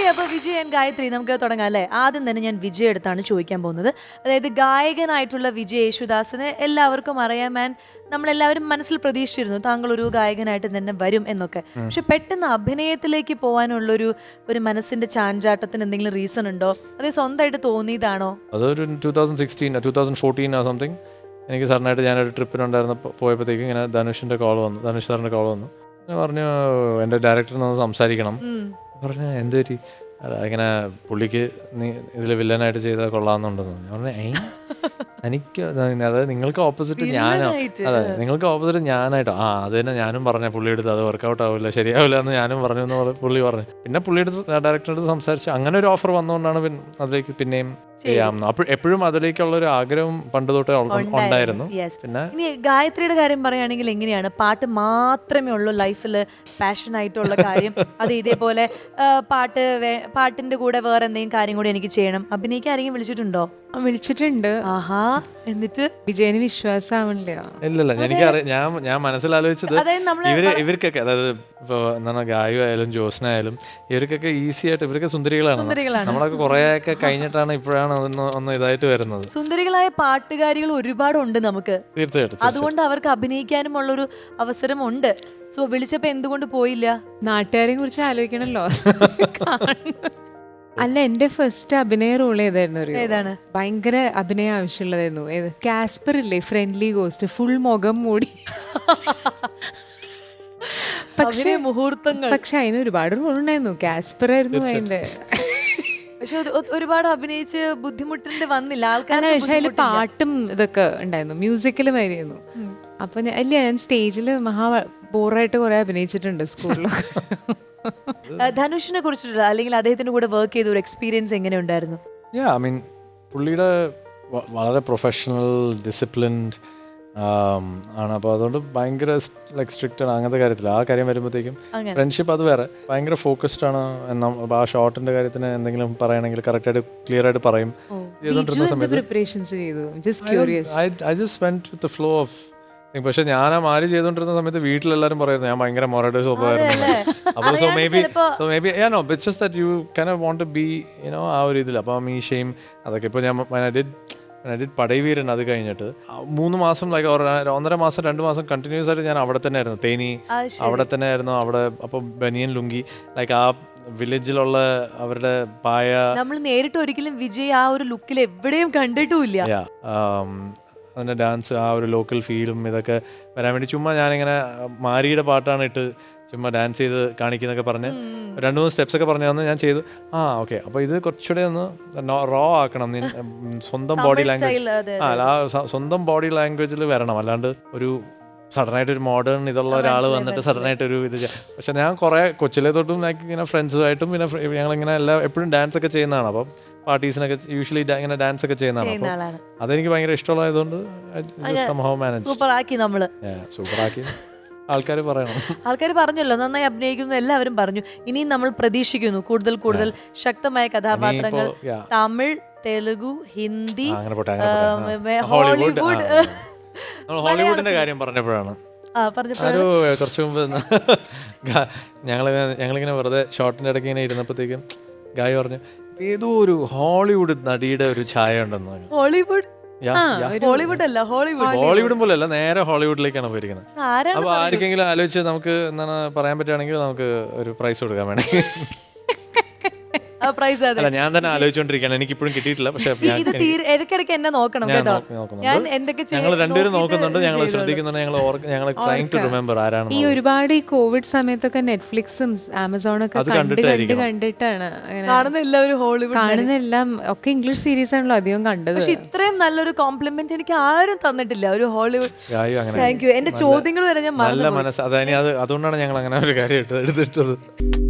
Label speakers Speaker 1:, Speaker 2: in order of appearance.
Speaker 1: അപ്പൊ വിജയ് ആൻഡ് ഗായത്രി നമുക്ക് തുടങ്ങാം അല്ലേ. ആദ്യം തന്നെ ഞാൻ വിജയ് അടുത്താണ് ചോദിക്കാൻ പോകുന്നത്. അതായത് ഗായകനായിട്ടുള്ള വിജയ് യേശുദാസിന് എല്ലാവർക്കും അറിയാം, ആൻഡ് നമ്മളെല്ലാവരും മനസ്സിൽ പ്രതീക്ഷിച്ചിരുന്നു താങ്കൾ ഒരു ഗായകനായിട്ട് തന്നെ വരും എന്നൊക്കെ. പക്ഷെ പെട്ടെന്ന് അഭിനയത്തിലേക്ക് പോകാനുള്ളൊരു മനസ്സിന്റെ ചാഞ്ചാട്ടത്തിന് എന്തെങ്കിലും റീസൺ ഉണ്ടോ, അതേ സ്വന്തമായിട്ട് തോന്നിയതാണോ?
Speaker 2: അതൊരു 2014 സംതിങ് എനിക്ക് സഡനായിട്ട് ഞാനൊരു ട്രിപ്പിനുണ്ടായിരുന്ന പോയപ്പോഴത്തേക്കും ഇങ്ങനെ ധനുഷ് സാറിൻ്റെ കോൾ വന്നു. ഞാൻ പറഞ്ഞു എൻ്റെ ഡയറക്ടറിനൊന്ന് സംസാരിക്കണം. പറഞ്ഞു എന്ത് പറ്റി? ഇങ്ങനെ പുള്ളിക്ക് നീ ഇതിൽ വില്ലനായിട്ട് ചെയ്താൽ കൊള്ളാമെന്നുണ്ടെന്ന്. ഞാൻ പറഞ്ഞു എനിക്ക് അതായത് നിങ്ങൾക്ക് ഓപ്പോസിറ്റ് നിങ്ങൾക്ക് ഓപ്പോസിറ്റ് ഞാനായിട്ടോ അത് തന്നെ ഞാനും പറഞ്ഞ പുള്ളി എടുത്ത് അത് വർക്കൗട്ട് ആവില്ല, ശരിയാവില്ല എന്ന് ഞാനും പറഞ്ഞു എന്ന് പുള്ളി പറഞ്ഞു. പിന്നെ പുള്ളിയുടെ ഡയറക്ടറോട് സംസാരിച്ചു. അങ്ങനെ ഒരു ഓഫർ വന്നുകൊണ്ടാണ് അതിലേക്ക് പിന്നെയും ചെയ്യാമെന്ന്. അപ്പോൾ എപ്പോഴും അതിലേക്കുള്ള ഒരു ആഗ്രഹം പണ്ട് തൊട്ടേ ഉണ്ടായിരുന്നു. പിന്നെ
Speaker 1: ഗായത്രിയുടെ കാര്യം പറയുകയാണെങ്കിൽ എങ്ങനെയാണ്, പാട്ട് മാത്രമേ ഉള്ളൂ ലൈഫിൽ പാഷൻ ആയിട്ടുള്ള കാര്യം? അത് ഇതേപോലെ പാട്ടിന്റെ കൂടെ വേറെ എന്തെങ്കിലും കാര്യം കൂടി എനിക്ക് ചെയ്യണം, അഭിനയിക്കാൻ ആരെങ്കിലും വിളിച്ചിട്ടുണ്ടോ?
Speaker 3: വിളിച്ചിട്ടുണ്ട്.
Speaker 1: ആഹാ, എന്നിട്ട്
Speaker 3: വിജയന് വിശ്വാസമാവണില്ല.
Speaker 2: ഇല്ലല്ല, എനിക്കറിയാം. ഞാൻ മനസ്സിലാലോചിച്ചത് ഇവർക്കൊക്കെ, അതായത് ഇപ്പൊ എന്താണ് ഗായു ആയാലും ജോസ്നായാലും ഇവർക്കൊക്കെ ഈസി ആയിട്ട് ഇവരൊക്കെ സുന്ദരികളാണ്. നമ്മളൊക്കെ കുറെയൊക്കെ കഴിഞ്ഞിട്ടാണ് ഇപ്പോഴാണ് ഒന്ന് ഇതായിട്ട് വരുന്നത്.
Speaker 1: സുന്ദരികളായ പാട്ടുകാരികൾ ഒരുപാടുണ്ട് നമുക്ക്,
Speaker 2: തീർച്ചയായിട്ടും.
Speaker 1: അതുകൊണ്ട് അവർക്ക് അഭിനയിക്കാനും ഉള്ളൊരു അവസരം ഉണ്ട്. സോ വിളിച്ചപ്പോ എന്തുകൊണ്ട് പോയില്ല?
Speaker 3: നാട്ടുകാരെ കുറിച്ച് ആലോചിക്കണല്ലോ. അല്ല, എന്റെ ഫസ്റ്റ് അഭിനയ റോൾ ഏതായിരുന്നു?
Speaker 1: ഏതാണ്?
Speaker 3: ഭയങ്കര അഭിനയം ആവശ്യമുള്ളതായിരുന്നു. കാസ്പർ ഇല്ലേ, ഫ്രണ്ട്ലി ഗോസ്റ്റ്, ഫുൾ മുഖം മൂടി. പക്ഷെ അതിന് ഒരുപാട് റോൾ ഉണ്ടായിരുന്നു. കാസ്പർ ആയിരുന്നു അതിന്റെ.
Speaker 1: പക്ഷെ ഒരുപാട് അഭിനയിച്ച് ബുദ്ധിമുട്ടിന്റെ വന്നില്ല ആൾക്കാർ.
Speaker 3: പക്ഷെ അതിൽ പാട്ടും ഇതൊക്കെ ഉണ്ടായിരുന്നു, മ്യൂസിക്കലും ആയിരുന്നു. അപ്പൊ ഞാൻ സ്റ്റേജിൽ ബോറായിട്ട് കുറെ അഭിനയിച്ചിട്ടുണ്ട് സ്കൂളിലൊക്കെ.
Speaker 1: ധനുഷിനെ കുറിച്ചിട്ടുള്ള അല്ലെങ്കിൽ അദ്ദേഹത്തിന്റെ കൂടെ വർക്ക് ചെയ്ത ഒരു എക്സ്പീരിയൻസ് എങ്ങനെ ഉണ്ടായിരുന്നു?
Speaker 2: പുള്ളിയുടെ വളരെ പ്രൊഫഷണൽ, ഡിസിപ്ലിൻഡ് ആണ്. അപ്പോൾ അതുകൊണ്ട് ഭയങ്കര സ്ട്രിക്റ്റ് ആണ് അങ്ങനത്തെ കാര്യത്തിൽ. ആ കാര്യം വരുമ്പോഴത്തേക്കും ഫ്രണ്ട്ഷിപ്പ് അത് വേറെ, ഭയങ്കര ഫോക്കസ്ഡ് ആണ്. ആ ഷോട്ടിന്റെ കാര്യത്തിന് എന്തെങ്കിലും പറയണമെങ്കിൽ കറക്റ്റായിട്ട് ക്ലിയർ ആയിട്ട് പറയും. ചെയ്തോണ്ടിരുന്ന സമയത്ത് പക്ഷെ ഞാൻ ആ മാരി ചെയ്തോണ്ടിരുന്ന സമയത്ത് വീട്ടിലെല്ലാരും പറയുന്നത് ഞാൻ ഭയങ്കര മൊറയുടെ സ്വഭാവമായിരുന്നു. അപ്പോൾ so maybe it's just that you can want to be ആ ഒരു ഇതിൽ. അപ്പോൾ മീശയും അതൊക്കെ ഇപ്പോൾ ഞാൻ ഡിഡ് പടൈവീരൻ. അത് കഴിഞ്ഞിട്ട് 3 മാസം 1.5 മാസം 2 മാസം കണ്ടിന്യൂസ് ആയിട്ട് ഞാൻ അവിടെ തന്നെ ആയിരുന്നു. തേനി അവിടെ തന്നെ ആയിരുന്നു. അവിടെ അപ്പോൾ ബനിയൻ ലുങ്കി ആ വില്ലേജിലുള്ള അവരുടെ പായ
Speaker 1: നമ്മൾ നേരിട്ട് ഒരിക്കലും വിജയ് ആ ഒരു ലുക്കിൽ എവിടെയും കണ്ടിട്ടുമില്ല.
Speaker 2: അതിൻ്റെ ഡാൻസ്, ആ ഒരു ലോക്കൽ ഫീലും ഇതൊക്കെ വരാൻ വേണ്ടി ചുമ്മാ ഞാനിങ്ങനെ മാരിയുടെ പാട്ടാണ് ഇട്ട് ചുമ്മാ ഡാൻസ് ചെയ്ത് കാണിക്കുന്നൊക്കെ പറഞ്ഞ് 2-3 സ്റ്റെപ്സ് ഒക്കെ പറഞ്ഞു തന്ന് ഞാൻ ചെയ്തു. ഓക്കെ, അപ്പോൾ ഇത് കുറച്ചുകൂടെ ഒന്ന് റോ ആക്കണം, സ്വന്തം ബോഡി ലാംഗ്വേജ് സ്വന്തം ബോഡി ലാംഗ്വേജിൽ വരണം. അല്ലാണ്ട് ഒരു സഡനായിട്ട് ഒരു മോഡേൺ ഇതുള്ള ഒരാൾ വന്നിട്ട് സഡനായിട്ട് ഒരു ഇത്. പക്ഷെ ഞാൻ കുറേ കൊച്ചിലെ തൊട്ടും ഇങ്ങനെ ഫ്രണ്ട്സുമായിട്ടും പിന്നെ ഞങ്ങളിങ്ങനെ എപ്പോഴും ഡാൻസ് ഒക്കെ ചെയ്യുന്നതാണ്. അപ്പം പാർട്ടീസിനൊക്കെ യൂഷ്വലി ഇങ്ങനെ ഡാൻസ് ഒക്കെ ചെയ്യുന്നതാണ്. അതെനിക്ക് ഭയങ്കര ഇഷ്ടമുള്ളതായതുകൊണ്ട് സൂപ്പറാക്കി ആൾക്കാർ പറയണം.
Speaker 1: ആൾക്കാർ പറഞ്ഞല്ലോ നന്നായി അഭിനയിക്കുന്നു, എല്ലാവരും പറഞ്ഞു. ഇനിയും നമ്മൾ പ്രതീക്ഷിക്കുന്നു കൂടുതൽ ശക്തമായ കഥാപാത്രങ്ങൾ. തമിഴ്, തെലുഗു, ഹിന്ദി, ഹോളിവുഡ്.
Speaker 2: ഹോളിവുഡിന്റെ കാര്യം പറഞ്ഞപ്പോഴാണ് കുറച്ച് മുമ്പ് ഞങ്ങളിങ്ങനെ വെറുതെ ഷോർട്ടിന്റെ ഇടയ്ക്ക് ഇങ്ങനെ ഇരുന്നപ്പോഴത്തേക്കും ഗായ് പറഞ്ഞു ഏതോ ഒരു ഹോളിവുഡ് നടിയുടെ ഒരു ഛായ ഉണ്ടെന്ന്. ഹോളിവുഡും പോലെ അല്ല, നേരെ ഹോളിവുഡിലേക്കാണ് പോയിരിക്കുന്നത്. അപ്പൊ ആർക്കെങ്കിലും ആലോചിച്ച് നമുക്ക് എന്താണ് പറയാൻ പറ്റുകയാണെങ്കിൽ നമുക്ക് ഒരു പ്രൈസ് കൊടുക്കാൻ വേണമെങ്കിൽ. ഞാൻ തന്നെ ആലോചിച്ചോണ്ടിരിക്കുകയാണ്, എനിക്ക് ഇപ്പോഴും കിട്ടിയിട്ടില്ല. പക്ഷെ
Speaker 1: ഇടയ്ക്കിടയ്ക്ക് എന്നെ നോക്കണം കേട്ടോ.
Speaker 2: ഞങ്ങൾ രണ്ടുപേരും നോക്കുന്നുണ്ട്, ഞങ്ങൾ ശ്രദ്ധിക്കുന്നുണ്ട്, ഞങ്ങൾ ട്രൈങ് ടു റിമെമ്പർ ആരാണ്.
Speaker 3: ഈ ഒരുപാട് ഈ കോവിഡ് സമയത്തൊക്കെ നെറ്റ്ഫ്ലിക്സും ആമസോണൊക്കെ കണ്ടിട്ടാണ് കാണുന്ന എല്ലാം ഒക്കെ ഇംഗ്ലീഷ് സീരീസ് ആണല്ലോ അധികം കണ്ടത്.
Speaker 1: പക്ഷെ ഇത്രയും നല്ലൊരു കോംപ്ലിമെന്റ് എനിക്ക് ആരും തന്നിട്ടില്ല ഒരു ഹോളിവുഡ്. Thank you. എന്റെ ചോദ്യങ്ങൾ വരെ ഞാൻ
Speaker 2: നല്ല മനസ്സ്, അതുകൊണ്ടാണ് ഞങ്ങൾ അങ്ങനെ ഒരു കാര്യം എടുത്തിട്ടത്.